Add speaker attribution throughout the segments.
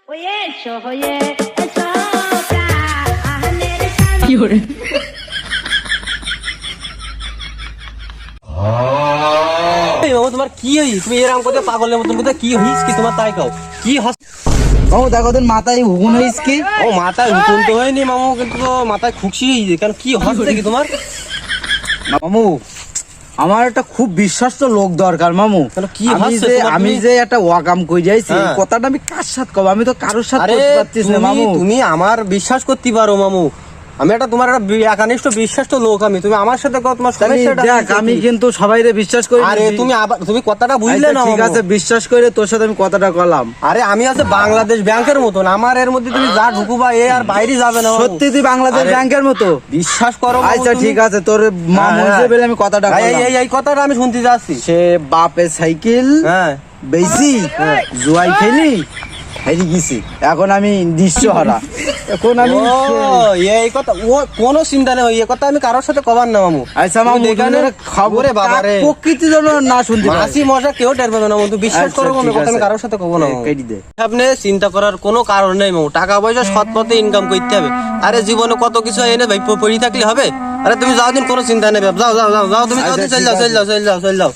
Speaker 1: তোমার কি হইস? তুমি এরকম করতে পাগলের মতন করতে কি হইস কি তোমার? তাই কাও কি
Speaker 2: মামু দেখো তোর মাথায় হুকুন হইস কি?
Speaker 1: ও মাথায় হুকুন তো হয়নি মামু, কিন্তু তো মাথায় খুশি হয়েছে কেন? কি হচ্ছে কি তোমার?
Speaker 2: মামু আমার একটা খুব বিশ্বাস্ত লোক দরকার মামু।
Speaker 1: কি হচ্ছে?
Speaker 2: আমি যে একটা ওয়াকাম কই যাইছি কথাটা আমি কার সাথে কব? আমি তো কারোর সাথে করতে পারছিস না মামু।
Speaker 1: তুমি আমার বিশ্বাস করতে পারো মামু, আমি একটা তোমার একটা একনিষ্ঠ বিশ্বাস তো লোক। আমি তুমি আমার সাথে তোমার সমস্যাটা
Speaker 2: দেখ, আমি কিন্তু সবাইরে বিশ্বাস করি।
Speaker 1: আরে তুমি আবার তুমি কথাটা বুঝলে না?
Speaker 2: ঠিক আছে, বিশ্বাস করে তোর সাথে আমি কথাটা কলাম।
Speaker 1: আরে আমি আছে বাংলাদেশ ব্যাংকের মতন, আমার এর মধ্যে তুমি যা ঢুকুবা এ আর বাইরে যাবে না।
Speaker 2: সত্যি তুই বাংলাদেশ ব্যাংকের মতো?
Speaker 1: বিশ্বাস করো।
Speaker 2: আচ্ছা ঠিক আছে, তোর মামু হিসেবে আমি কথাটা কলাম।
Speaker 1: এই কথাটা আমি শুনতে যাচ্ছি।
Speaker 2: সে বাপের সাইকেল বেশি জুয়াই খেলি হেরি গেছি, এখন আমি নিঃস্বহারা। এখন আমি
Speaker 1: এই কথা কোনো চিন্তা নেই, এই কথা আমি কারোর সাথে কবার না মামু।
Speaker 2: আচ্ছা মামু,
Speaker 1: খবরে বাবারে
Speaker 2: প্রকৃতি জন্য না শুনতে
Speaker 1: হাসি মজা কেউ টের পাবে না মামু, তুই বিশ্বাস করো মামু, কথা আমি কারোর সাথে কব না। আপনি চিন্তা করার কোনো কারণ নেই মামু, টাকা পয়সা সৎ পথে ইনকাম করতে হবে। আরে জীবনে কত কিছু এনে ভাই পড়ে থাকলে হবে? আরে তুমি যাও দিন, কোনো চিন্তা নেই, যাও যাও যাও যাও, তুমি যাও দিন, চল যাও চল যাও চল যাও চল যাও।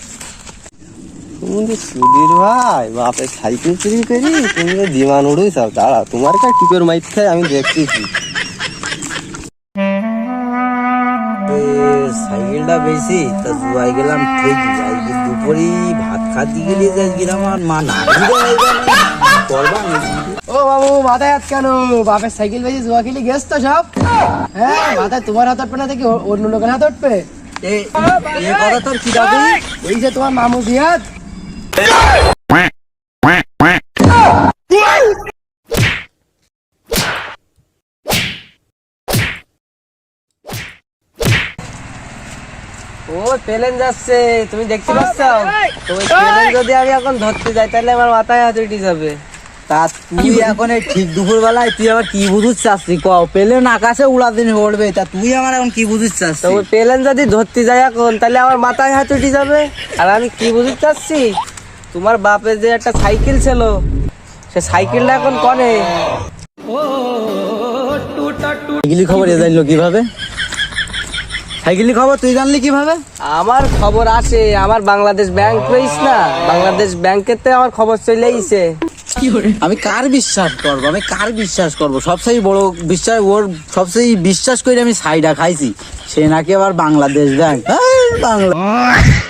Speaker 1: সুধীর ভাই বাপে সাইকেল চুরি করি, তুমি দিমান উড়ুই চাও। দাঁড়া, তোমার কাছে কি করে মাইর খাই আমি দেখতেছি।
Speaker 2: সাইকেলটা বেশি তা জুয়াই গেলাম ঠিক। দুপুরে ভাত খাতে গেলে আমার মা না
Speaker 3: ও বাবু মাথায় হাত কেন? বাপের সাইকেল বেশি জুয়া খেলে গেছ তো সব। হ্যাঁ, মাথায় তোমার হাত উঠবে না দেখি অন্য লোকের হাত উঠবে?
Speaker 2: কথা তোর কি দাবি?
Speaker 3: এই যে তোমার মামু জিয়াদ।
Speaker 1: ও প্লেন যাচ্ছে, তুমি দেখতে পাচ্ছ? তো ওই প্লেন যদি আমি এখন ধরতে যাই তাহলে আমার মাথায় হাত উঠে যাবে।
Speaker 2: তা তুই এখন এই ঠিক দুপুর বেলায় তুই আবার কি বুঝুস চাচ্ছি? কও প্লেন আকাশে উড়া দিন উড়বে, তা তুই আমার এখন কি বুঝুস
Speaker 1: তো
Speaker 2: চাচ্ছি?
Speaker 1: ওই প্লেন যদি ধরতে যাই এখন তাহলে আমার মাথায় হাত উঠে যাবে। আর আমি কি বুঝতে চাচ্ছি, তোমার বাপের যে একটা সাইকেল ছিল সে সাইকেলটা এখন কনে?
Speaker 2: সাইকেলি খবর এ জানলো কিভাবে? সাইকেলি খবর তুই জানলি কিভাবে?
Speaker 1: আমার খবর আসে, আমার বাংলাদেশ ব্যাংক রইস না, বাংলাদেশ ব্যাংকেতে আমার খবর চলে আইছে।
Speaker 2: আমি কার বিশ্বাস করবো? আমি কার বিশ্বাস করবো? সবচেয়ে বড় বিশ্বাস ওর, সবচেয়ে বিশ্বাস করে আমি সাইডা খাইছি, সে নাকি আবার বাংলাদেশ ব্যাংক। বাংলা